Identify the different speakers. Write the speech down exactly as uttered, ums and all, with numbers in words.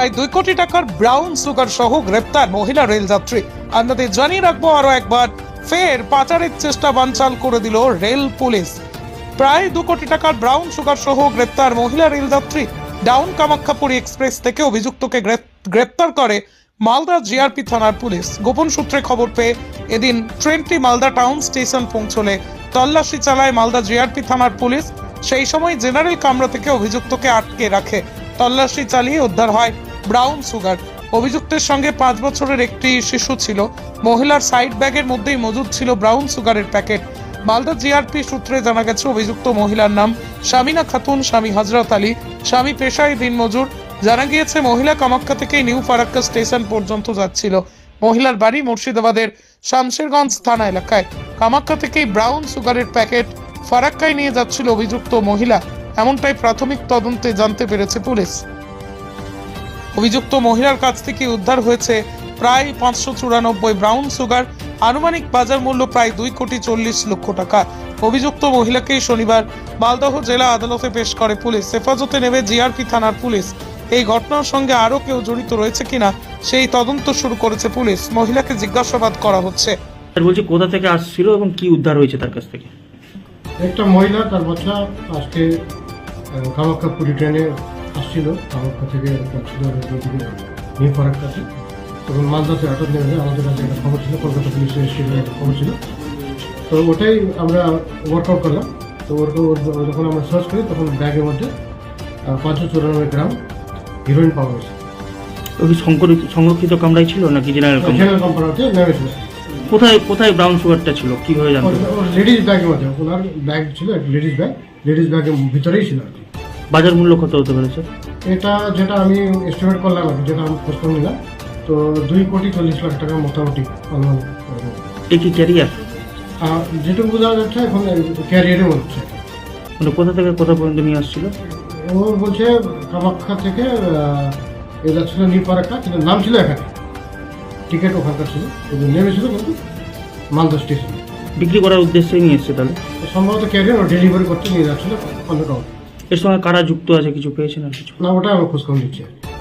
Speaker 1: প্রায় দুই কোটি টাকার ব্রাউন সুগার সহ গ্রেপ্তার মহিলা রেলযাত্রী। আপনাদের জানিয়ে রাখবো আরো একবার, ফের পাচারের চেষ্টা বানচাল করে দিল রেল পুলিশ। প্রায় দু কোটি টাকার ব্রাউন সুগার সহ গ্রেপ্তার মহিলা রেলযাত্রী। ডাউন কামাখ্যাপুরী এক্সপ্রেস থেকে অভিযুক্তকে গ্রেপ্তার করে মালদা জিআরপি থানার পুলিশ। গোপন সূত্রে খবর পেয়ে এদিন ট্রেনটি মালদা টাউন স্টেশন পৌঁছলে তল্লাশি চালায় মালদা জিআরপি থানার পুলিশ। সেই সময় জেনারেল কামরা থেকে অভিযুক্তকে আটকে রাখে। তল্লাশি চালিয়ে উদ্ধার হয় ব্রাউন সুগার। অভিযুক্তের সঙ্গে পাঁচ বছরের একটি শিশু ছিল। মহিলার সাইড ব্যাগের মধ্যেই মজুদ ছিল ব্রাউন সুগারের প্যাকেট। মালদা জিআরপি সূত্রে জানা গেছে অভিযুক্ত মহিলার নাম শামিনা খাতুন, স্বামী হযরত আলী, স্বামী পেশায় দিনমজুর। জানা গিয়েছে মহিলা কামাখ্যা থেকে নিউ ফারাক্কা স্টেশন পর্যন্ত যাচ্ছিল। মহিলার বাড়ি মুর্শিদাবাদের শামশেরগঞ্জ থানা এলাকায়। কামাখ্যা থেকেই ব্রাউন সুগারের প্যাকেট ফারাক্কায় নিয়ে যাচ্ছিল অভিযুক্ত মহিলা, এমনটাই প্রাথমিক তদন্তে জানতে পেরেছে পুলিশ। অভিযুক্ত মহিলার কাছ থেকে উদ্ধার হয়েছে প্রায় পাঁচশো চুরানব্বই ব্রাউন সুগার। আনুমানিক বাজার মূল্য প্রায় দুই কোটি চল্লিশ লক্ষ টাকা। অভিযুক্ত মহিলাকেই শনিবার মালদহ জেলা আদালতে পেশ করে পুলিশ। হেফাজতে নেবে জিআরপি থানার পুলিশ। এই ঘটনার সঙ্গে আরো কেউ জড়িত রয়েছে কিনা সেই তদন্ত শুরু করেছে পুলিশ। মহিলাকে জিজ্ঞাসাবাদ করা হচ্ছে।
Speaker 2: বলছি কোথা থেকে আসছিল এবং কি উদ্ধার হয়েছে তার কাছ থেকে?
Speaker 3: একটা মহিলা, তার বাচ্চা আজকে কামাখ্যাপুরী ট্রেনে আসছিল। কামাখ্যা থেকে নিউ ফারাক্কাতে, তখন মালদাতে আটক নেমে আমাদের কাছে একটা খবর ছিল, কলকাতা পুলিশের স্টেশনে একটা খবর ছিল। তো ওটাই আমরা ওয়ার্কআউট করলাম। তো ওয়ার্কআউট যখন আমরা সার্চ করি তখন ব্যাগের মধ্যে পাঁচশো চুরানব্বই গ্রাম হিরোইন পাওয়া গেছে।
Speaker 2: ওই সংরক্ষিত কামরাই ছিল নাকি জেনারেল কামরা?
Speaker 3: জেনারেল কামরাতে নেমেছিল।
Speaker 2: কোথায় কোথায় ব্রাউন সুগারটা ছিল কিভাবে জানতে?
Speaker 3: লেডিস ব্যাগের মধ্যে, ওনার ব্যাগ ছিল একটা লেডিস ব্যাগ, লেডিস ব্যাগের ভিতরেই ছিল আর কি।
Speaker 2: বাজার মূল্য কত হতে পেরেছে?
Speaker 3: এটা যেটা আমি এস্টিমেট করলাম আর কি, যেটা আমি খোঁজ করে নিলাম, তো দুই কোটি চল্লিশ লাখ টাকা মোটামুটি অনুমান।
Speaker 2: এ কি ক্যারিয়ার?
Speaker 3: যেটুকু বোঝা যাচ্ছে এখন ক্যারিয়ারে হচ্ছে।
Speaker 2: মানে কোথা থেকে কোথা পর্যন্ত নিয়ে আসছিল?
Speaker 3: ও বলছে কামাখ্যা থেকে এটা ছিল নিউ ফারাক্কা, কিন্তু নাম ছিল এখানে, টিকিট ওখানকার ছিল, নেমেছিল কিন্তু মালদা স্টেশনে।
Speaker 2: বিক্রি করার উদ্দেশ্যে নিয়ে এসছে তাহলে?
Speaker 3: সম্ভবত ক্যারিয়ার ও ডেলিভারি করতে নিয়ে যাচ্ছিল অন্য কাউকে।
Speaker 2: এর সঙ্গে কারা যুক্ত আছে কিছু পেয়েছেন আর কিছু?
Speaker 3: না, ওটা আমি খোঁজ করে নিচ্ছি।